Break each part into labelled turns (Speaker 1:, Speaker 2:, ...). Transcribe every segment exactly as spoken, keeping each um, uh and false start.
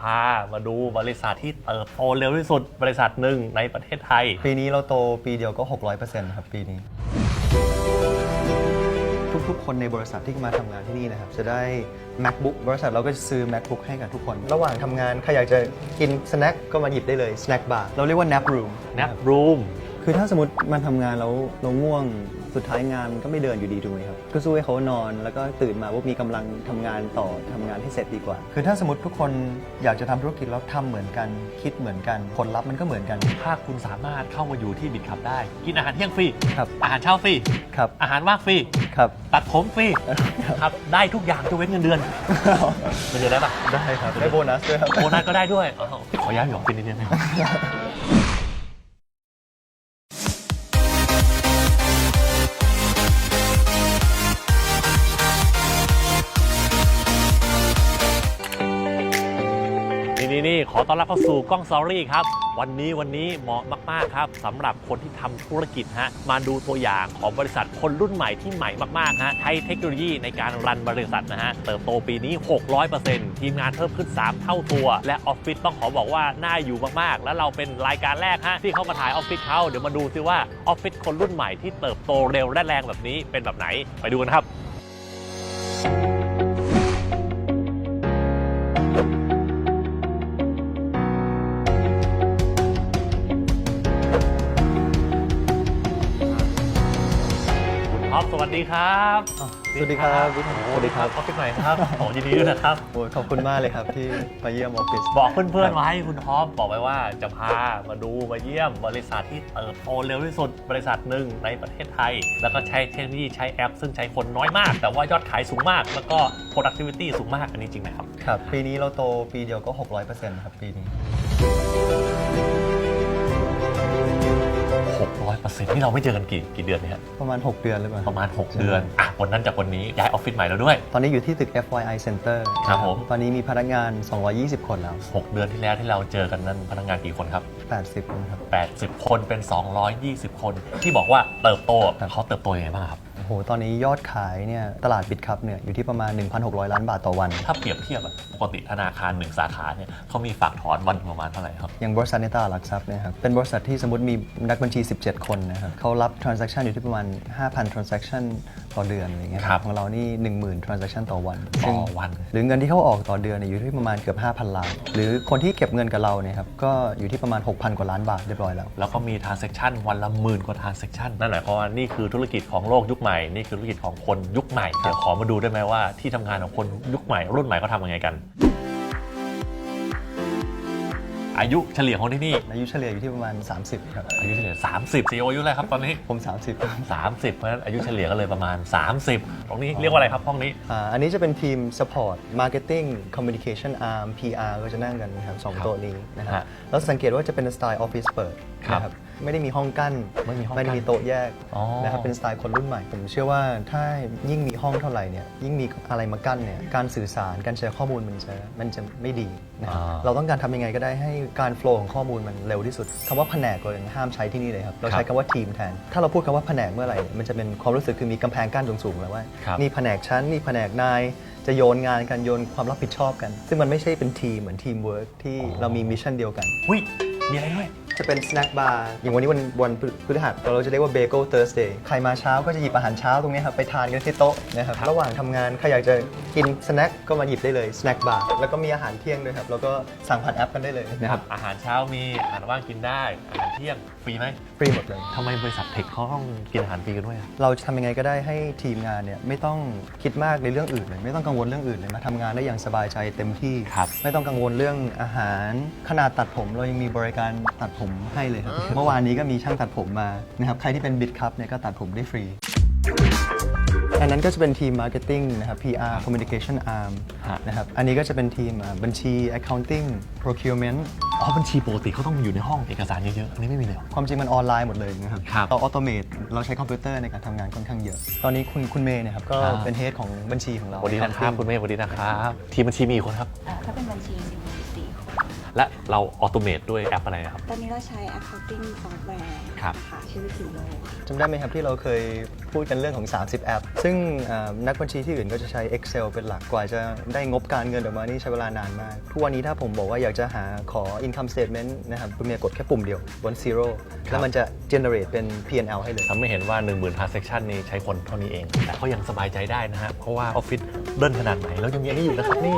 Speaker 1: พามาดูบริษัทที่เติบโตเร็วที่สุดบริษัทหนึ่งในประเทศไทย
Speaker 2: ปีนี้เราโตปีเดียวก็ หกร้อยเปอร์เซ็นต์ ครับปีนี้ทุกๆคนในบริษัทที่มาทำงานที่นี่นะครับจะได้ MacBook บริษัทเราก็จะซื้อ MacBook ให้กับทุกคน ระหว่างทำงานใครอยากจะกินสแน็คก็มาหยิบได้เลย Snack Bar เราเรียกว่า Nap Room
Speaker 1: Nap Room
Speaker 2: คือถ้าสมมติมาทำงานแล้วเราง่วงสุดท้ายงานก็ไม่เดินอยู่ดีถูกไหมครับก็สู้ให้เขานอนแล้วก็ตื่นมาว่ามีกำลังทำงานต่อทำงานให้เสร็จดีกว่าคือถ้าสมมติทุกคนอยากจะทำธุรกิจแล้วทำเหมือนกันคิดเหมือนกันผลลัพธ์มันก็เหมือนกัน
Speaker 1: ถ้าคุณสามารถเข้ามาอยู่ที่บิดขับได้กินอาหารเที่ยงฟรี
Speaker 2: ครับ
Speaker 1: อาหารเช้าฟรี
Speaker 2: ครับ
Speaker 1: อาหารว่างฟรี
Speaker 2: ครับ
Speaker 1: ตัดผมฟรีครับได้ทุกอย่างจะเว้นเงินเดือนเงินเดือนได้ปะ
Speaker 2: ได้ครับได้โบนัสด้วยครับ
Speaker 1: โบนัสก็ได้ด้วยขอย้ายอยู่ออฟฟิศนิดนึงนี่นี่ขอต้อนรับเข้าสู่กล้องสตอรี่ครับวันนี้วันนี้เหมาะมากๆครับสำหรับคนที่ทำธุรกิจฮะมาดูตัวอย่างของบริษัทคนรุ่นใหม่ที่ใหม่มากๆฮะใช้เทคโนโลยีในการรันบริษัทนะฮะเติบโตปีนี้ หกร้อยเปอร์เซ็นต์ ทีมงานเพิ่มขึ้นสามเท่าตัวและออฟฟิศต้องขอบอกว่าน่าอยู่มากๆแล้วเราเป็นรายการแรกฮะที่เขามาถ่ายออฟฟิศเขาเดี๋ยวมาดูซิว่าออฟฟิศคนรุ่นใหม่ที่เติบโตเร็วและแรงแบบนี้เป็นแบบไหนไปดูกันครับสวัสดีครับ
Speaker 2: สวัสดีครับ
Speaker 1: สวัสดีครับออฟฟิศใหม่ครับขอยินดีด้วยนะครับ
Speaker 2: โอ้ขอบคุณมากเลยครับที่มาเยี่ยมออฟฟิศ
Speaker 1: บอกเพื่อนๆไว้คุณท็อปบอกไว้ว่าจะพามาดูมาเยี่ยมบริษัทที่เติบโตเร็วที่สุดบริษัทหนึ่งในประเทศไทยแล้วก็ใช้เทคโนโลยีใช้แอปซึ่งใช้คนน้อยมากแต่ว่ายอดขายสูงมากแล้วก็ productivity สูงมากอันนี้จริงไหมครับ
Speaker 2: ครับปีนี้เราโตปีเดียวก็ หกร้อยเปอร์เซ็นต์ ครับปีนี้
Speaker 1: หกร้อยเปอร์เซ็นต์ นี่เราไม่เจอกันกี่กี่เดือนเนี่ย
Speaker 2: ประมาณหกเดือนหรือเปล่า
Speaker 1: ประมาณหกเดือนอ่ะวันนั้นจากวันนี้ย้ายออฟฟิศใหม่แล้วด้วย
Speaker 2: ตอนนี้อยู่ที่ตึก เอฟ วาย ไอ Center
Speaker 1: ครับผม
Speaker 2: ตอนนี้มีพนักงานสองร้อยยี่สิบคนแล้ว
Speaker 1: หกเดือนที่แล้วที่เราเจอกันนั้นพนักงานกี่คนครับ
Speaker 2: แปดสิบคนครับ
Speaker 1: แปดสิบคนเป็นสองร้อยยี่สิบคนที่บอกว่าเติบโตแต่เขาเติบโตยังไงบ้างครับ
Speaker 2: โอ้โหตอนนี้ยอดขายเนี่ยตลาดบิตคัพเนี่ยอยู่ที่ประมาณ หนึ่งพันหกร้อย ล้านบาทต่อวัน
Speaker 1: ถ้าเปรียบเทียบปกติธนาคารหนึ่งสาขาเนี่ยเขามีฝากถอนวันประมาณเท่าไหร่ครับ
Speaker 2: อย่างบริษัทในตลาดหลักทรัพย์เนี่ยครับเป็นบริษัทที่สมมติมีนักบัญชีสิบเจ็ดคนนะครับเขารับ transaction อยู่ที่ประมาณ ห้าพัน transaction ต่อเดือนอะไรเงี้ยของเรานี่ หนึ่งหมื่น transaction ต่อวัน
Speaker 1: ต่อวัน
Speaker 2: หรือเงินที่เขาออกต่อเดือนเนี่ยอยู่ที่ประมาณเกือบ ห้าพัน ล้านหรือคนที่เก็บเงินกับเราเนี่ยครับก็อยู่ที่ประมาณ หกพัน กว่าล้านบาทเรียบร้อยแล้ว
Speaker 1: แล้วก็มี transaction วันละหมื่นกว่า transaction นั่นหมายความว่านี่คือธุรกิจของโลกยุคใหม่นี่คือธุรกิจของคนยุคใหม่เดี๋ยวขอมาดูได้ไหมว่าที่ทำงานของคนยุคใหม่รุ่นใหม่เขาทำยังไงกันอายุเฉลี่ยของที่นี่
Speaker 2: อายุเฉลี่ยอยู่ที่ประมาณสามสิบครับ
Speaker 1: อายุเฉลี่ยสามสิบ ซี อี โอ อายุอะไรครับตอนนี้
Speaker 2: ผมสามสิบ
Speaker 1: สามสิบเพราะฉะนั้นอายุเฉลี่ยก็เลยประมาณสามสิบตรงนี้เรียกว่าอะไรครับห้องนี้
Speaker 2: อ่าอันนี้จะเป็นทีม support marketing communication arm พี อาร์ ก็จะนั่งกันนะครับสองโต๊ะนี้นะครับแล้วสังเกตว่าจะเป็นสไตล์ออฟฟิศเปิดนะครับไม่ได้มีห้องกั้นไม่มีห้องไม่ได้มีโต๊ะแยกนะครับเป็นสไตล์คนรุ่นใหม่ผมเชื่อว่าถ้ายิ่งมีห้องเท่าไหร่เนี่ยยิ่งมีอะไรมากั้นเนี่ยการสื่อสารการแชร์ข้อมูลมันจะมันจะไม่ดีนะครับเราต้องการทำยังไงก็ได้ให้การโฟล์ของข้อมูลมันเร็วที่สุดคำว่าแผนกเราห้ามใช้ที่นี่เลยครับเราใช้คำว่าทีมแทนถ้าเราพูดคำว่าแผนกเมื่อไหร่มันจะเป็นความรู้สึกคือมีกำแพงกั้นสูงๆแล้วว่านี่แผนกชั้นนี่แผนกนายจะโยนงานกันโยนความรับผิดชอบกันซึ่งมันไม่ใช่เป็นทีมเหมือนทีมเวิร์กที่เรามีมิชชั่นเดียวกัน
Speaker 1: อุ้ยมีอะไรด้วย
Speaker 2: จะเป็น snack bar อย่างวันนี้วันวันพฤหัสเราจะเรียกว่า bagel Thursday ใครมาเช้าก็จะหยิบอาหารเช้าตรงนี้ครับไปทานกันที่โต๊ะนะครับระหว่างทำงานใครอยากจะกินสแน็คก็มาหยิบได้เลย snack bar แล้วก็มีอาหารเที่ยงด้วยครับแล้วก็สั่งผ่านแอปกันได้เลยนะครับ
Speaker 1: อาหารเช้ามีอาหารว่างกินได้อาหารเที่ยงฟรีไหม
Speaker 2: ฟรีหมดเลย
Speaker 1: ทำไมบริษัทเทคเขาต้องกินอาหารฟรีกันด้วย
Speaker 2: เราจะทำยังไงก็ได้ให้ทีมงานเนี่ยไม่ต้องคิดมากในเรื่องอื่นเลยไม่ต้องกังวลเรื่องอื่นเลยมาทำงานได้อย่างสบายใจเต็มที่ไม่ต้องกังวลเรื่องอาหารขนาดตัดผมเรายังมีบริการตัดผมให้เลยครับเมื่อวานนี้ก็มีช่างตัดผมมานะครับใครที่เป็นบิตคัพเนี่ยก็ตัดผมได้ฟรีอันนั้นก็จะเป็นทีม Marketing นะครับ พี อาร์ Communication Arm นะครับอันนี้ก็จะเป็นทีมบัญชี Accounting Procurement
Speaker 1: อ๋อบัญชีปกติเขาต้องอยู่ในห้องเอกสารเยอะๆอันนี้ไม่มีเลย
Speaker 2: ความจริงมันออนไลน์หมดเลยนะครับเราออโตเมตเราใช้คอมพิวเตอร์ในการทำงานค่อนข้างเยอะตอนนี้คุณคุณเมย์เนี่ยครับก็เป็นเฮดของบัญชีของเรา
Speaker 1: สวัสดีนะครับคุณเมย์สวัสดีนะครับทีมบัญชีมีกี่คนครับ
Speaker 3: ถ้าเป็นบัญชีสิบสี่คน
Speaker 1: และเราออโตเมตด้วยแอปอะไรครับ
Speaker 3: ตอนนี้เราใช้ accounting software
Speaker 1: ครับ
Speaker 3: นะคะชื่อคิวโลค่ะ
Speaker 2: จำได้ไหมครับที่เราเคยพูดกันเรื่องของ สามสิบ แอป ซึ่งอ่านักบัญชีที่อื่นก็จะใช้ Excel เป็นหลักกว่าจะได้งบการเงินออกมานี่ใช้เวลานานมาก ทุกวันนี้ถ้าผมบอกว่าอยากจะหาขอ income statement นะครับคุณเมียกดแค่ปุ่มเดียวบน zero แล้วมันจะ generate เป็น พี แอนด์ แอล ให้เลย
Speaker 1: ทำให้เห็นว่า หนึ่งหมื่น transaction นี้ใช้คนเท่านี้เอง แต่ก็ยังสบายใจได้นะฮะเพราะว่าออฟฟิศเดินขนาดไหนแล้วยังมีอันนี้อยู่นะครับนี่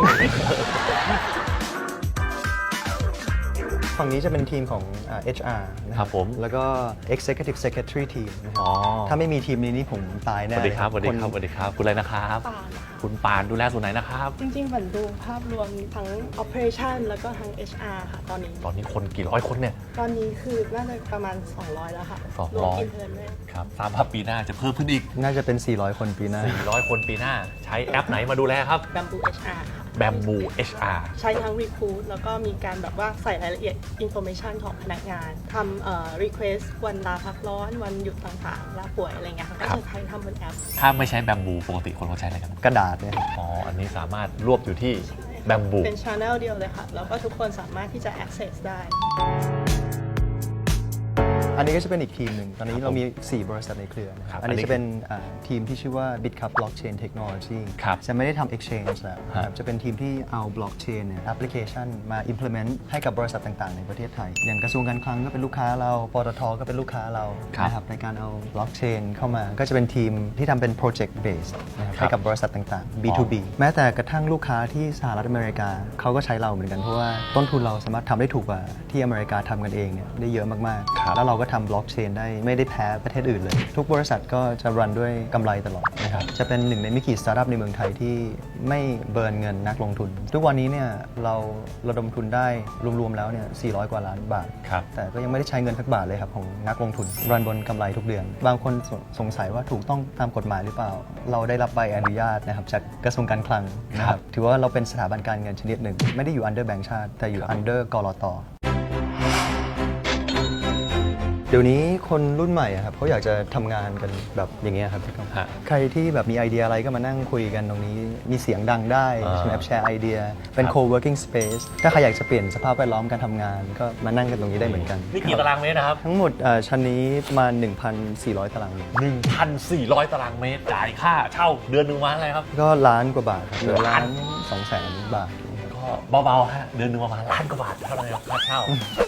Speaker 2: ฝั่งนี้จะเป็นทีมของอ่า เอช อาร์ นะ
Speaker 1: ค
Speaker 2: ค
Speaker 1: รั
Speaker 2: รั
Speaker 1: บบ ผม
Speaker 2: แล้วก็ executive secretary team นะครับ
Speaker 1: อ๋อ
Speaker 2: ถ้าไม่มีทีมนี้นี่ผมตาย
Speaker 1: ส
Speaker 2: แน่
Speaker 1: วัสดีครับส
Speaker 2: เลย
Speaker 1: วัสดีครับสวัสดีครับคุณอะไรนะครับ
Speaker 4: ปานค่ะ
Speaker 1: คุณปานดูแลส่วนไหนนะครับ
Speaker 4: จริงๆเหมือนดูภาพรวมทั้ง operation แล้วก็ทั้ง เอช อาร์ ค่ะ ตอนนี้
Speaker 1: ตอนนี้คนกี่ร้อยคนเนี่ย
Speaker 4: ตอนนี้คือน่าจะประมาณ สองร้อย แล้วค่ะ
Speaker 1: สองร้อย
Speaker 4: วม intern ด้วย
Speaker 1: ครับทราบว่าปีหน้าจะเพิ่มขึ้นอีก
Speaker 2: น่าจะเป็น สี่ร้อย คนปีหน้า
Speaker 1: สี่ร้อย คนปีหน้า ใช้แอปไหนมาดูแลครับ
Speaker 4: Bamboo เอช อาร์ ค่ะ
Speaker 1: Bamboo เอช อาร์
Speaker 4: ใช้ทั้ง recruit แล้วก็มีการแบบว่าใส่รายละเอียด information ของพนักงานทำเอ่อ request วันลาพักร้อน วันหยุดต่างๆลาป่วยอะไรเงี้ยค่ะก็จะใช้ทำบนแอป
Speaker 1: ถ้าไม่ใช้ Bamboo ปกติคนเขาใช้อะไรกัน
Speaker 2: กระดาษเนี่ย
Speaker 1: อ๋อ อันนี้สามารถรวบอยู่ที่ Bamboo
Speaker 4: เป็น channel เดียวเลยค่ะ แล้วก็ทุกคนสามารถที่จะ access ได้
Speaker 2: อันนี้ก็จะเป็นอีกทีมหนึ่ง ตอนนี้เรามี สี่ บริษัทในเครือนะค
Speaker 1: ครั
Speaker 2: รั
Speaker 1: บบ
Speaker 2: อันนี้
Speaker 1: อันนี้
Speaker 2: จะเป็นอ่าทีมที่ชื่อว่า BitCup Blockchain Technology
Speaker 1: ครับ
Speaker 2: จะไม่ได้ทำ exchange แล้วนะค
Speaker 1: ฮะ
Speaker 2: รับจะเป็นทีมที่เอา blockchain เนี่ย application มา implement ให้กับบริษัทต่างๆ ในประเทศไทย อย่างกระทรวงการคลังก็เป็นลูกค้าเรา ปตทก็เป็นลูกค้าเรา
Speaker 1: ครับ
Speaker 2: นะครับในการเอา blockchain เข้ามา ก็จะเป็นทีมที่ทำเป็น project base นะครับ
Speaker 1: ครับ
Speaker 2: ให้กับบริษัทต่างๆ บี ทู บี แม้แต่กระทั่งลูกค้าที่สหรัฐอเมริกาเขาก็ใช้เราเหมือนกันเพราะว่าต้นทุนเราสามารถทำได้ถูกกว่าที่อเมริกาทำกันเองเนี่ยได้เยอะมาก
Speaker 1: ครับ
Speaker 2: ๆ แล้วเราก็ทำ blockchain ได้ไม่ได้แพ้ประเทศอื่นเลย ทุกบริษัทก็จะรันด้วยกำไรตลอดนะครับจะเป็นหนึ่งในไม่กี่สตาร์ทอัพในเมืองไทยที่ไม่เบิร์นเงินนักลงทุน ทุกวันนี้เนี่ยเราระดมทุนได้รวมๆแล้วเนี่ยสี่ร้อยกว่าล้านบาท
Speaker 1: ครับ
Speaker 2: แต่ก็ยังไม่ได้ใช้เงินสักบาทเลยครับของนักลงทุนรันบนกำไรทุกเดือน บางคนสสงสัยว่าถูกต้องตามกฎหมายหรือเปล่า เราได้รับใบอนุญาตนะครับจากกระทรวงการคลังนะค
Speaker 1: ครั
Speaker 2: รับบ ถือว่าเราเป็นสถาบันการเงินชนิดหนึ่ง ไม่ได้อยู่ under แบงก์ชาติ แต่อยู่ under กลต. เดี๋ยวนี้คนรุ่นใหม่อะครับเขาอยากจะทำงานกันแบบอย่างเงี้ยครับพี่ก้อง
Speaker 1: ฮะ
Speaker 2: ใครที่แบบมีไอเดียอะไรก็มานั่งคุยกันตรงนี้มีเสียงดังได้
Speaker 1: อ่า
Speaker 2: ใช่ไหมครับแชร์ไอเดียเป็น
Speaker 1: ครับ
Speaker 2: co-working space ถ้าใครอยากจะเปลี่ยนสภาพแวดล้อมการทำงาน ก็มานั่งกันตรงนี้ได้เหมือนกัน
Speaker 1: นี่กี่ตารางเมตรนะครับ
Speaker 2: ทั้งหมดเอ่อชั้นนี้ประมาณ หนึ่งพันสี่ร้อย ตารางเมตร
Speaker 1: หนึ่งพันสี่ร้อย ตารางเมตร จ่ายค่าเช่าเดือนหนึ่งวันอะไรครับ
Speaker 2: ก็ล้านกว่าบาทครับเหลือล้า
Speaker 1: ล้าน
Speaker 2: นสองแสนบาท
Speaker 1: ก็เบาๆฮะเดือนหนึ่งประมาณล้านกว่าบาทเท่านั้นครับค่าเช่า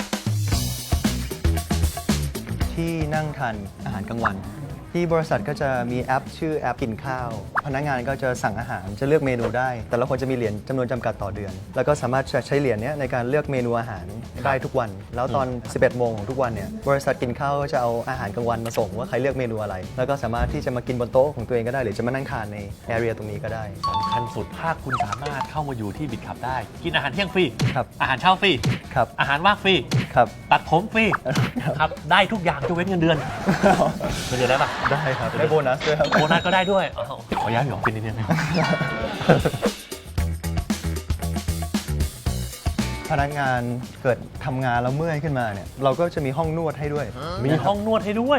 Speaker 2: ที่นั่งทานอาหารกลางวัน ที่บริษัทก็จะมีแอปชื่อแอปกินข้าว พนักงานก็จะสั่งอาหารจะเลือกเมนูได้ แต่ละคนจะมีเหรียญจำนวนจำกัดต่อเดือน แล้วก็สามารถใช้เหรียญเนี้ยในการเลือกเมนูอาหารได้ทุกวัน แล้วตอน สิบเอ็ด โมงของทุกวันเนี่ยบริษัทกินข้าวก็จะเอาอาหารกลางวันมาส่งว่าใครเลือกเมนูอะไร แล้วก็สามารถที่จะมากินบนโต๊ะของตัวเองก็ได้หรือจะมานั่งทานในแอเรียตรงนี้ก็ได้
Speaker 1: สำคัญสุดถ้าคุณสามารถเข้ามาอยู่ที่บิดขับได้ กินอาหารเที่ยงฟรี
Speaker 2: ครับ
Speaker 1: อาหารเช้าฟรี
Speaker 2: ครับ
Speaker 1: อาหารว่างฟรี
Speaker 2: ครับ
Speaker 1: ตัดผมฟรีครับได้ทุกอย่างจะเว้นเงินเดือนเงินเดือนได้ปะ
Speaker 2: ได้ครับได้โบนัสด้วยครับ
Speaker 1: โบนัสก็ได้ด้วยอ้าวขอย้ายหยองเป็นนิดนึง
Speaker 2: พนักงานเกิดทำงานแล้วเมื่อยขึ้นมาเนี่ยเราก็จะมีห้องนวดให้ด้วย
Speaker 1: มีห้องนวดให้ด้วย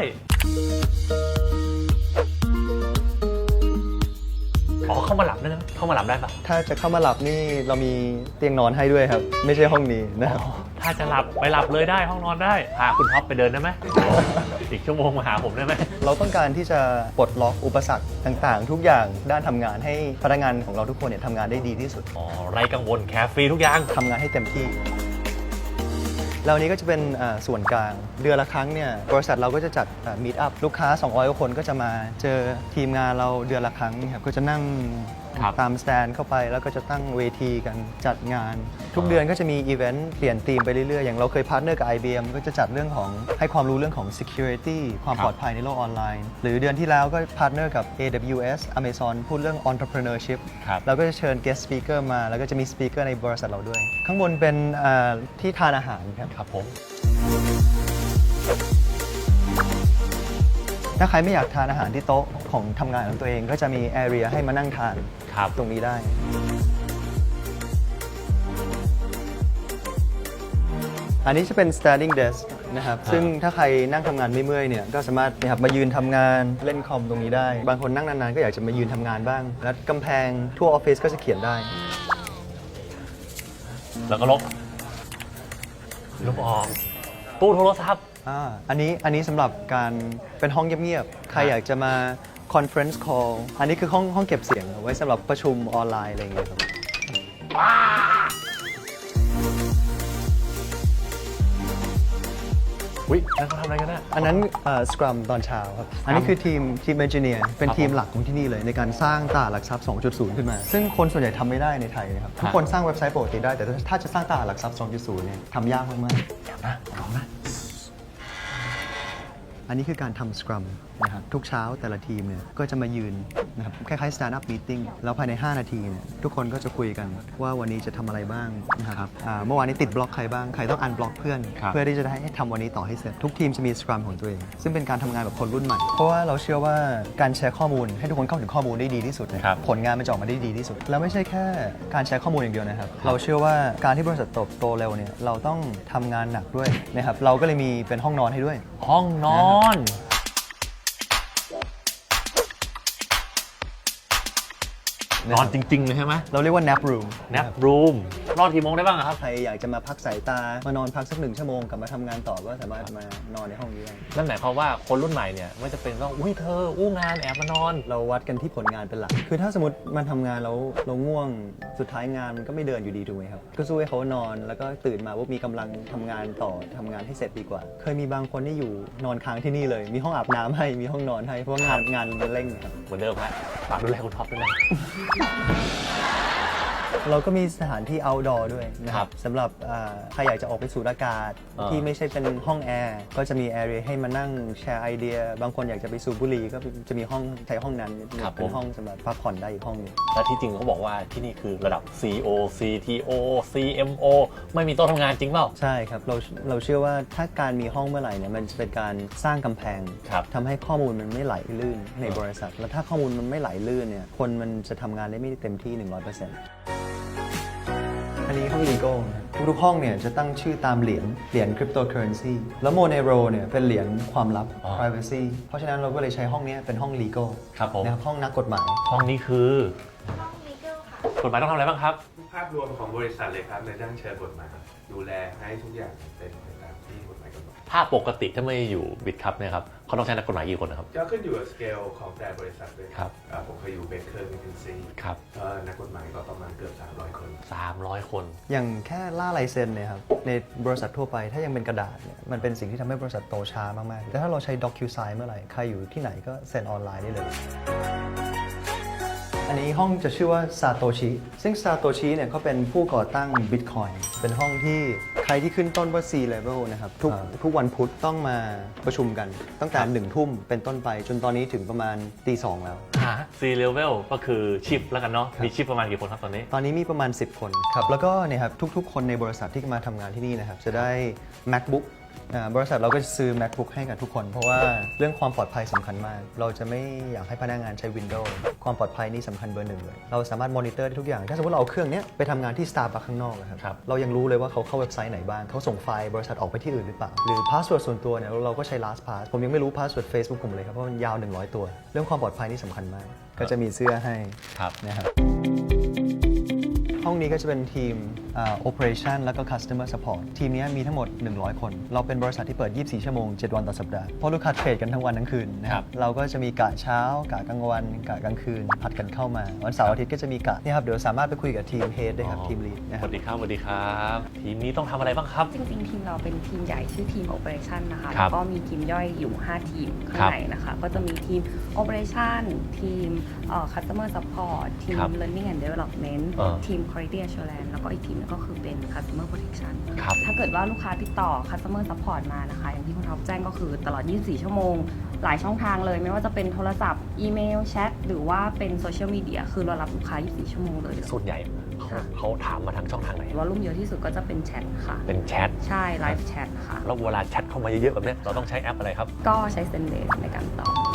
Speaker 1: อ๋อเข้ามาหลับได้นะเข้ามาหลับได้ปะ
Speaker 2: ถ้าจะเข้ามาหลับนี่เรามีเตียงนอนให้ด้วยครับ ไม่ใช่ห้องนี้นะครับ
Speaker 1: ถ้าจะหลับไปหลับเลยได้ห้องนอนได้พาคุณท็อปไปเดินได้ไหมอีกชั่วโมงมาหาผมได้ไหม
Speaker 2: เราต้องการที่จะปลดล็อกอุปสรรคต่างๆ ทุกอย่างด้านทำงานให้พนักงานของเราทุกคนเนี่ยทำงานได้ดีที่สุด
Speaker 1: อ๋อไรกังวลแคร์ฟรีทุกอย่าง
Speaker 2: ทำงานให้เต็มที่ แล้วอันนี้ก็จะเป็นอ่าส่วนกลางเดือนละครั้งเนี่ยบริษัทเราก็จะจัดมีตอัพลูกค้าสองร้อยกว่าคนก็จะมาเจอทีมงานเราเดือนละครั้งครับก็จะนั่ง
Speaker 1: ครับ
Speaker 2: ตามสแตนเข้าไปแล้วก็จะตั้งเวทีกันจัดงาน ทุกเดือนก็จะมีอีเวนต์เปลี่ยนธีมไปเรื่อยๆ อย่างเราเคยพาร์ทเนอร์กับ ไอ บี เอ็ม ก็จะจัดเรื่องของให้ความรู้เรื่องของ security ความ
Speaker 1: ครับ
Speaker 2: ปลอดภัยในโลกออนไลน์ หรือเดือนที่แล้วก็พาร์ทเนอร์กับ เอ ดับเบิลยู เอส Amazon พูดเรื่อง entrepreneurship
Speaker 1: ครับ
Speaker 2: เราก็จะเชิญ guest speaker มาแล้วก็จะมี speaker ในบริษัทเราด้วย ข้างบนเป็นอ่าที่ทานอาหารครับ
Speaker 1: ครับผม
Speaker 2: ถ้าใครไม่อยากทานอาหารที่โต๊ะของทำงานของตัวเองก็จะมี area ให้มานั่งทาน
Speaker 1: ครับ
Speaker 2: ตรงนี้ได้ อันนี้จะเป็น standing desk นะครับ ซึ่งถ้าใครนั่งทำงานไม่เมื่อยเนี่ยก็สามารถนะครับมายืนทำงานเล่นคอมตรงนี้ได้ บางคนนั่งนานๆก็อยากจะมายืนทำงานบ้าง แล้วกำแพงทั่วออฟฟิศก็จะเขียนได้
Speaker 1: แล้วก็ลบลบออกตู้โทรศัพท์
Speaker 2: อ่าอันนี้อันนี้สำหรับการเป็นห้องเงียบๆ ใครอยากจะมา conference call อันนี้คือห้องห้องเก็บเสียงเอาไว้สำหรับประชุมออนไลน์อะไรอย่างเงี้ยครับ
Speaker 1: อุ้ยนั่นเขาทำอะไรกันน่ะ
Speaker 2: อันนั้นสครัมตอนเช้าครับ อันนี้คือทีมทีมเอนจิเนียร์เป็นทีมหลักของที่นี่เลยในการสร้างตลาดหลักทรัพย์ สองจุดศูนย์ ขึ้นมา ซึ่งคนส่วนใหญ่ทำไม่ได้ในไทยนะครับ ทุกคนสร้างเว็บไซต์ปกติได้ แต่ถ้าจะสร้างตลาดหลักทรัพย์ สองจุดศูนย์ เนี่ยทำยากมากๆ
Speaker 1: เดี๋ยวนะลองนะ
Speaker 2: อันนี้คือการทำสครัมนะครับทุกเช้าแต่ละทีมเนี่ยก็จะมายืนนะครับคล้ายๆ stand up meeting แล้วภายใน ห้า นาทีเนี่ยทุกคนก็จะคุยกันว่าวันนี้จะทำอะไรบ้างนะครับอ่าเมื่อวานนี้ติดบล็อกใครบ้าง ใครต้องอันบล็อกเพื่อน
Speaker 1: ครับ
Speaker 2: เพื่อที่จะได้ให้ทำวันนี้ต่อให้เสร็จ ทุกทีมจะมีสครัมของตัวเอง ซึ่งเป็นการทำงานแบบคนรุ่นใหม่ เพราะว่าเราเชื่อว่าการแชร์ข้อมูลให้ทุกคนเข้าถึงข้อมูลได้ดีที่สุดเนี่ย
Speaker 1: ครับ
Speaker 2: ผลงานมันจะออกมาได้ดีที่สุด แล้วไม่ใช่แค่การแชร์ข้อมูลอย่างเดียวนะครับเราเชื่อว่าการที่บริษัทเติบโตเร็วเนี่ยเราต้องทำงานหนักด้วยนะครับเราก็เลยมีเป็นห้องนอนให้ด้วย
Speaker 1: ห้องนอน นอนจริงๆเลยใช่ไหม
Speaker 2: เราเรียกว่า nap room
Speaker 1: nap room นอนกี่โมงได้บ้างอะครับ
Speaker 2: ใครอยากจะมาพักสายตามานอนพักสักหนึ่งชั่วโมงกลับมาทำงานต่อก็สามารถมานอนในห้องนี้ได้
Speaker 1: นั่นหมายความว่าคนรุ่นใหม่เนี่ยไม่จะเป็นต้องอุ้ยเธออู้งานแอบมานอน
Speaker 2: เราวัดกันที่ผลงานเป็นหลัก คือถ้าสมมติมันทำงานแล้วเราง่วงสุดท้ายงานมันก็ไม่เดินอยู่ดีถูกไหมครับ ก็สู้ให้เขานอนแล้วก็ตื่นมาว่ามีกำลังทำงานต่อทำงานให้เสร็จดีกว่า เคยมีบางคนที่อยู่นอนค้างที่นี่เลย มีห้องอาบน้ำให้มีห้องนอนให้เพราะว่างานงานมันเร่งครับ
Speaker 1: เหมือนเดิมฮะฝากดูแลคุณท็อปด้วยนะ
Speaker 2: เราก็มีสถานที่ outdoor ด้วยนะค
Speaker 1: ครั
Speaker 2: รั
Speaker 1: บบ
Speaker 2: สำหรับอ่าใครอยากจะออกไปสูดอากาศ
Speaker 1: อ่า
Speaker 2: ที่ไม่ใช่เป็นห้องแอร์ก็จะมี area ให้มานั่งแชร์ไอเดีย บางคนอยากจะไปสูบบุหรี่ก็จะมีห้องใช้ห้องนั้นเป็นห้องสำหรับพักผ่อนได้อีกห้องหนึง
Speaker 1: และที่จริงเขาบอกว่าที่นี่คือระดับ ซี โอ ซี ที โอ ซี เอ็ม โอ ไม่มีโต๊ะทำงานจริงเปล่า
Speaker 2: ใช่ครับ เราเราเชื่อว่าถ้าการมีห้องเมื่อไหร่เนี่ยมันจะเป็นการสร้างกำแพง
Speaker 1: ครับ
Speaker 2: ทำให้ข้อมูลมันไม่ไหลลื่นในบริษัท แล้วถ้าข้อมูลมันไม่ไหลลื่นเนี่ยคนมันจะทำงานได้ไม่เต็มที่ หนึ่งร้อยเปอร์เซ็นต์ อันนี้ห้อง legal นะครับทุกๆห้องเนี่ยจะตั้งชื่อตามเหรียญเหรียญ cryptocurrency แล้ว Monero เนี่ยเป็นเหรียญความลับ
Speaker 1: อ๋อ
Speaker 2: privacy เพราะฉะนั้นเราก็เลยใช้ห้องนี้เป็นห้อง legal
Speaker 1: ครับผม
Speaker 2: นะครับห้องนักกฎหมาย
Speaker 1: ห้องนี้คือ กฎหมายต้องทำอะไรบ้างครับ
Speaker 5: ภาพรวมของบริษัทเลยครับในด้านเชิงกฎหมายดูแลให้ทุกอย่างเป็นไปตามที่กฎหมายกำหนด
Speaker 1: ถ้าปกติถ้าไม่อยู่บิดครับเนี่ยครับเขาต้องใช้นักกฎหมายกี่คนนะครับ
Speaker 5: ก็ขึ้นอยู่กับสเกลของแต่บริษัทด้วย
Speaker 1: ครับ
Speaker 5: อ่าผมเคยอยู่เบเกอร์มิทเทนซี
Speaker 1: ครับ
Speaker 5: นักกฎหมายก็ประมาณเกือบสามร้อยคน
Speaker 1: สามร้อยคน
Speaker 2: อย่างแค่ล่าลายเซ็นเนี่ยครับในบริษัททั่วไปถ้ายังเป็นกระดาษเนี่ยมันเป็นสิ่งที่ทำให้บริษัทโตช้ามากๆแต่ถ้าเราใช้ DocuSign เมื่อไหร่ใครอยู่ที่ไหนก็เซ็นออนไลน์ได้เลย อันนี้ห้องจะชื่อว่าซาโตชิซึ่งซาโตชิเนี่ยเขาเป็นผู้ก่อตั้ง Bitcoin เป็นห้องที่ใครที่ขึ้นต้นว่า C level นะครับทุกทุกวันพุธต้องมาประชุมกันตั้งแต่หนึ่งทุ่มเป็นต้นไปจนตอนนี้ถึงประมาณตีสองแล้ว
Speaker 1: หา C level ก็คือชิปแล้วกันเนาะ มีชิปประมาณกี่คนครับตอนนี้
Speaker 2: ตอนนี้มีประมาณสิบคนครับแล้วก็เนี่ยครับทุกๆ คนในบริษัทที่มาทำงานที่นี่นะครับจะได้ MacBook อ่าบริษัทเราก็จะซื้อ MacBook ให้กับทุกคน เพราะว่าเรื่องความปลอดภัยสำคัญมาก เราจะไม่อยากให้พนักงานใช้ Windows ความปลอดภัยนี่สำคัญเบอร์หนึ่งเลย เราสามารถมอนิเตอร์ได้ทุกอย่าง ถ้าสมมติเราเอาเครื่องเนี้ยไปทำงานที่ Starbucks ข้างนอกนะครับ
Speaker 1: ครับ
Speaker 2: เรายังรู้เลยว่าเขาเข้าเว็บไซต์ไหนบ้างเขาส่งไฟล์บริษัทออกไปที่อื่นหรือเปล่าหรือ password ส่วนตัวเนี่ยเราก็ใช้ LastPass ผมยังไม่รู้ password Facebook ผมเลยครับเพราะมันยาวหนึ่งร้อยตัว เรื่องความปลอดภัยนี่สำคัญมาก ก็จะมีเสื้อให้
Speaker 1: ครับ
Speaker 2: นะครับห้องนี้ก็จะเป็นทีมอ่า operation แล้วก็ customer support ทีมนี้มีทั้งหมด หนึ่งร้อย คน เราเป็นบริษัทที่เปิด ยี่สิบสี่ ชั่วโมง เจ็ด วันต่อสัปดาห์ เพราะลูกค้าเทรดกันทั้งวันทั้งคืนนะค
Speaker 1: ครั
Speaker 2: รับบ เราก็จะมีกะเช้ากะกลางวันกะกลางคืนผัดกันเข้ามา วันเสาร์อาทิตย์ก็จะมีกะนี่ครับเดี๋ยวสามารถไปคุยกับทีม head ได้ครับทีม lead นะ
Speaker 1: ส
Speaker 2: ครับ
Speaker 1: วัสดีครับสวัสดีครับ ทีมนี้ต้องทำอะไรบ้างครับ
Speaker 6: จริงๆ ทีมเราเป็นทีมใหญ่ชื่อทีม Operation นะคะ
Speaker 1: ครั
Speaker 6: แล้
Speaker 1: บ
Speaker 6: วก็มีทีมย่อยอยู่ ห้า ทีมข้า
Speaker 1: ครั
Speaker 6: ง
Speaker 1: บ
Speaker 6: ในนะคะ ก็จะมีทีม Operation ทีมเอ่อ Customer Support ทีม
Speaker 1: ครับ
Speaker 6: Learning and Development
Speaker 1: เออ
Speaker 6: ทีม Quality Assurance แล้วก็อีกทีมนึงก็คือเป็น Customer Protection
Speaker 1: ครับ
Speaker 6: ถ้าเกิดว่าลูกค้าติดต่อ Customer Support มานะคะ อย่างที่คุณท็อปแจ้งก็คือตลอด ยี่สิบสี่ ชั่วโมง หลายช่องทางเลย ไม่ว่าจะเป็นโทรศัพท์ อีเมล แชท หรือว่าเป็นโซเชียลมีเดีย คือเรารับลูกค้า ยี่สิบสี่ ชั่วโมงเลย
Speaker 1: ส่วนใหญ่เขาเขาถามมาทางช่องทางไหน
Speaker 6: วอลลุ่มเยอะที่สุดก็จะเป็นแชทค่ะ
Speaker 1: เป็นแชท
Speaker 6: ใช่ ไลฟ์แชทค่ะ
Speaker 1: แล้วเวลาแชทเข้ามาเยอะๆแบบเนี้ยเราต้องใช้แอปอะไรครับ
Speaker 6: ก็ใช้เซนเดสในการตอบ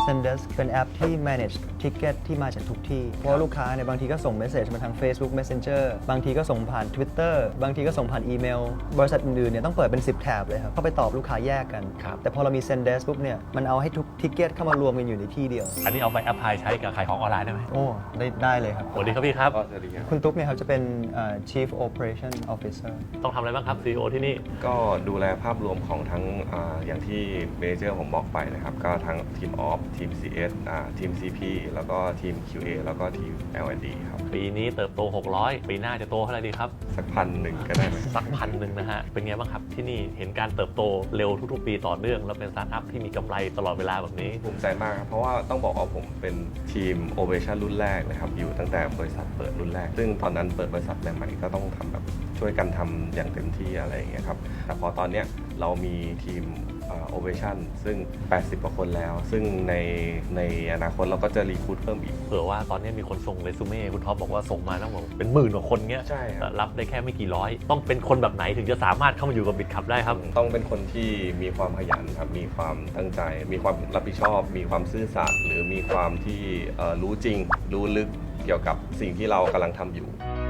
Speaker 2: Zendesk เป็นแอปที่ manage ticket ที่มาจากทุกที่ เพราะว่าลูกค้าเนี่ยบางทีก็ส่งเมสเซจมาทาง Facebook Messenger บางทีก็ส่งผ่าน Twitter บางทีก็ส่งผ่านอีเมล บริษัทอื่นๆเนี่ยต้องเปิดเป็น สิบ แถบเลยครับเข้าไปตอบลูกค้าแยกกัน
Speaker 1: ครับ
Speaker 2: แต่พอเรามี Zendesk ปุ๊บเนี่ยมันเอาให้ทุกทิกเก็ตเข้ามารวมกันอยู่ในที่เดียว
Speaker 1: อันนี้เอาไปแอพพลายใช้กับขายของออนไลน์ได้ไหม
Speaker 2: โอ้ได้ได้เลยครับ
Speaker 1: สวัสดีครับพี่ครับ
Speaker 5: ก็สวัสดีครับ
Speaker 2: คุณตุ๊กเนี่ยครับจะเป็นเอ่อ Chief Operation Officer
Speaker 1: ต้องทำอะไรบ้างครับ ซี อี โอ ที่นี่
Speaker 7: ก็ดูแลภาพรวมของทั้งอาอย่างที่เมเจอร์ผมบอกไปนะครับ ก็ทั้งทีมออฟทีม ซี เอส อ่าทีม ซี พี แล้วก็ทีม คิว เอ แล้วก็ทีม แอล แอนด์ ดี ครับ
Speaker 1: ปีนี้เติบโต หกร้อย ปีหน้าจะโตเท่าไหร่ดีครับ
Speaker 7: สักพันหนึ่งก็ได้ไหม
Speaker 1: สักพันหนึ่งนะฮะ เป็นไงบ้างครับที่นี่เห็นการเติบโตเร็วทุกๆ ปีต่อเนื่อง แล้วเป็นสตาร์ทอัพที่มีกำไรตลอดเวลาแบบนี้
Speaker 7: ภูมิใจมากครับ เพราะว่าต้องบอกว่าผมเป็นทีมโอเปอเรชั่นรุ่นแรกนะครับ อยู่ตั้งแต่บริษัทเปิดรุ่นแรก ซึ่งตอนนั้นเปิดบริษัทใหม่ๆก็ต้องทำแบบช่วยกันทำอย่างเต็มที่อะไรอย่างเงี้ยครับ แต่พอตอนเนี้ยเรามีทีมโอเปอเรชั่นซึ่ง แปดสิบกว่าคนแล้ว ซึ่งในในอนาคตเราก็จะรีคูดเพิ่มอีก
Speaker 1: เผื่อว่าตอนนี้มีคนส่งเรซูเม่คุณท็อปบอกว่าส่งมาต้องบอกเป็นหมื่นกว่าคนเงี้ย
Speaker 7: ใช่ครับ
Speaker 1: แต่รับได้แค่ไม่กี่ร้อย ต้องเป็นคนแบบไหนถึงจะสามารถเข้ามาอยู่กับบิตคับได้ครับ
Speaker 7: ต้องเป็นคนที่มีความขยันครับ มีความตั้งใจ มีความรับผิดชอบ มีความซื่อสัตย์หรือมีความที่เอ่อรู้จริง รู้ลึกเกี่ยวกับสิ่งที่เรากำลังทำอยู่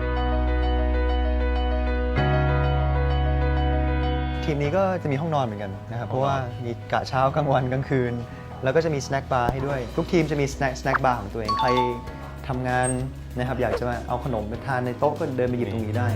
Speaker 2: ทีมนี้ก็จะมีห้องนอนเหมือนกันนะครับ เพราะว่ามีกะเช้ากลางวันกลางคืน แล้วก็จะมีสแน็คบาร์ให้ด้วย ทุกทีมจะมีสแน็คสแน็คบาร์ของตัวเอง ใครทำงานนะครับอยากจะมาเอาขนมไปทานในโต๊ะก็เดินไปหยิบตรงนี้ได้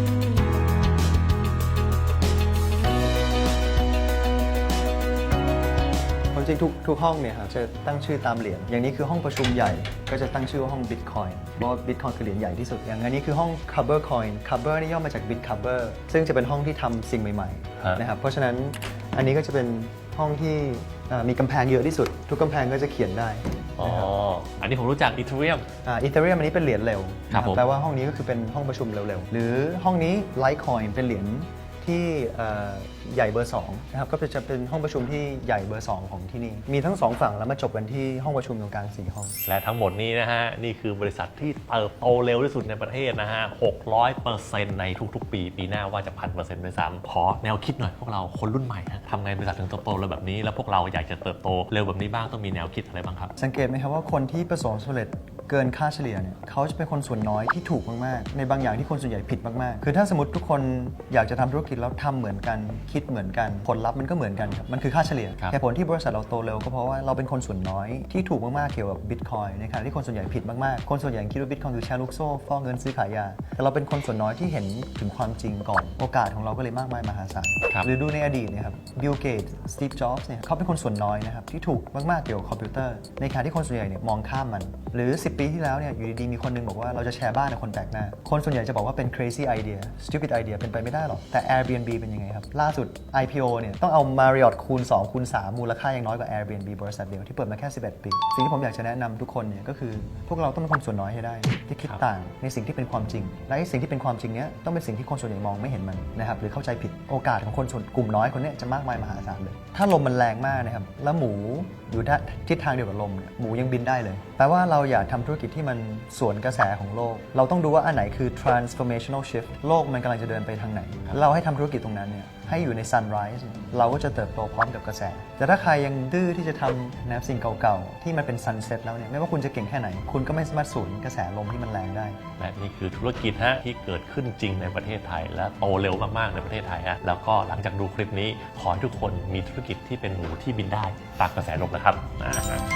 Speaker 2: ความจริงทุกทุกห้องเนี่ยครับจะตั้งชื่อตามเหรียญ อย่างนี้คือห้องประชุมใหญ่ ก็จะตั้งชื่อว่าห้อง Bitcoin เพราะว่า Bitcoin คือเหรียญใหญ่ที่สุด อย่างอันนี้คือห้อง Cover Coin Cover นี่ย่อมาจาก Bit Cover ซึ่งจะเป็นห้องที่ทำสิ่งใหม่
Speaker 1: ฮะ
Speaker 2: ๆนะครับ เพราะฉะนั้นอันนี้ก็จะเป็นห้องที่เอ่อมีกำแพงเยอะที่สุด ทุกกำแพงก็จะเขียนได้
Speaker 1: อ๋อ อันนี้ผมรู้จักอีเทเรียม
Speaker 2: อีเทเรียมอันนี้เป็นเหรียญเร็ว
Speaker 1: ครับ
Speaker 2: นะ
Speaker 1: ผม
Speaker 2: แปลว่าห้องนี้ก็คือเป็นห้องประชุมเร็วๆ หรือห้องนี้ Litecoin เป็นเหรียญที่เอ่อใหญ่เบอร์สองนะครับก็จะเป็นห้องประชุมที่ใหญ่เบอร์สองของที่นี่ มีทั้งสองฝั่งแล้วมาจบกันที่ห้องประชุมตรงกลางสี่ห้อง
Speaker 1: และทั้งหมดนี้นะฮะ นี่คือบริษัทที่เติบโตเร็วที่สุดในประเทศนะฮะ หกร้อยเปอร์เซ็นต์ ในทุกๆ ปี ปีหน้าว่าจะพันเปอร์เซ็นต์ด้วยซ้ำขอแนวคิดหน่อยพวกเราคนรุ่นใหม่ฮะทำไงบริษัทถึงเติบโตเร็วแบบนี้ แล้วพวกเราอยากจะเติบโตเร็วแบบนี้บ้างต้องมีแนวคิดอะไรบ้างครับ
Speaker 2: สังเกตไหมครับว่าคนที่ประสบความสำเร็จเกินค่าเฉลี่ยเนี่ยเขาจะเป็นคนส่วนน้อยที่ถูกมากๆ ในบางอย่างที่คนส่วนใหญ่ผิดมากๆ คือถ้าสมมติทุกคนอยากจะทำธุรกิจแล้วทำเหมือนกันคิดเหมือนกันผลลัพธ์มันก็เหมือนกันครับมันคือค่าเฉลี่ย
Speaker 1: ครับ
Speaker 2: แต่ผลที่บริษัทเราโตเร็วก็เพราะว่าเราเป็นคนส่วนน้อยที่ถูกมากๆเกี่ยวกับบิตคอยในขณะที่คนส่วนใหญ่ผิดมากๆคนส่วนใหญ่คิดว่าบิตคอยคือแชร์ลูกโซ่ฟอกเงินซื้อขายยาแต่เราเป็นคนส่วนน้อยที่เห็นถึงความจริงก่อนโอกาสของเราก็เลยมากมายมหาศาล
Speaker 1: ครับ
Speaker 2: หรือดูในอดีตเนะครับบิลเกตส์สตีฟจ็อบส์เนี่ยเขาเป็นคนส่วนน้อยนะครับที่ถูกมากๆเกี่ยวกับคอมพิวเตอร์ในขณะที่คนส่วนใหญ่เนี่ยมองข้ามมันหรือสิบปีที่แล้วเนี่ยอยู่ดีๆมีคนนึงบอกว่าเราจะแชร์บ้านกับคนแปลกหน้าคนส่วนใหญ่จะบอกว่าเป็น crazy idea stupid idea เป็นไปไม่ได้หรอกแต่ Airbnb เป็นยังไงครับล่าสุด ไอ พี โอ เนี่ยต้องเอา Marriott คูณสองคูณสามมูลค่ายังน้อยกว่า Airbnb บริษัทเดียวที่เปิดมาแค่สิบเอ็ดปีสิ่งที่ผมอยากจะแนะนำทุกคนเนี่ยก็คือพวกเราต้องเป็นคนส่วนน้อยให้ได้ที่คิดต่างในสิ่งที่เป็นความจริงและไอ้สิ่งที่เป็นความจริงเนี้ยต้องเป็นสิ่งที่คนส่วนใหญ่มองไม่เห็นมันนะครับหรือเข้าใจผิดโอกาสของคนส่วนกลุ่มน้อยคนเนี้ยจะมากมายมหาศาลเลยถ้าลมมันแรงมากนะครับแล้วหมูอยู่ทิศทางเดียวกับลมเนี่ยหมูยังบินได้เลยแปลว่าเราอยากทำธุรกิจที่มันสวนกระแสของโลกเราต้องดูว่าอันไหนคือ transformational shift โลกมันกำลังจะเดินไปทางไหนเราให้ทำธุรกิจตรงนั้นเนี่ยให้อยู่ใน sunrise เราก็จะเติบโตพร้อมกับกระแสแต่ถ้าใครยังดื้อที่จะทำนะสิ่งเก่าๆที่มันเป็น sunset แล้วเนี่ยไม่ว่าคุณจะเก่งแค่ไหนคุณก็ไม่สามารถสูญกระแสลมที่มันแรงได้
Speaker 1: และนี่คือธุรกิจฮะที่เกิดขึ้นจริงในประเทศไทย และโตเร็วมากๆในประเทศไทยฮะแล้วก็หลังจากดูคลิปนี้ขอให้ทุกคนมีธุรกิจที่เป็นหมูที่บินได้ตามกระแสลมนะครับอ่าฮะ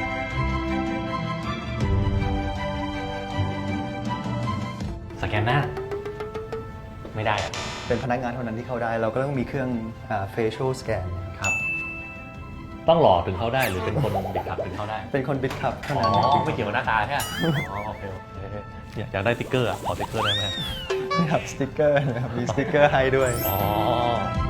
Speaker 1: สแกนหน้าไม่ได้อะ
Speaker 2: เป็นพนักงานเท่านั้นที่เข้าได้เราก็ต้องมีเครื่องอ่า facial scan
Speaker 1: ครับ ต้องหล่อถึงเข้าได้หรือเป็นคนบิดขับถึงเข้าได้
Speaker 2: เป็นคนบิดขับเท่า
Speaker 1: อ๋
Speaker 2: นั้น
Speaker 1: อไม่เกี่ยวกับหน้าตาใช่ไหมอ๋อโอเคโอเคอยากอยากได้สติ๊กเกอร์อ่ะขอสติ๊กเกอร์ได้ไหม
Speaker 2: นี่ครับสติ๊กเกอร์นะครับมีสติ๊กเกอร์ให้ด้วย
Speaker 1: อ๋อ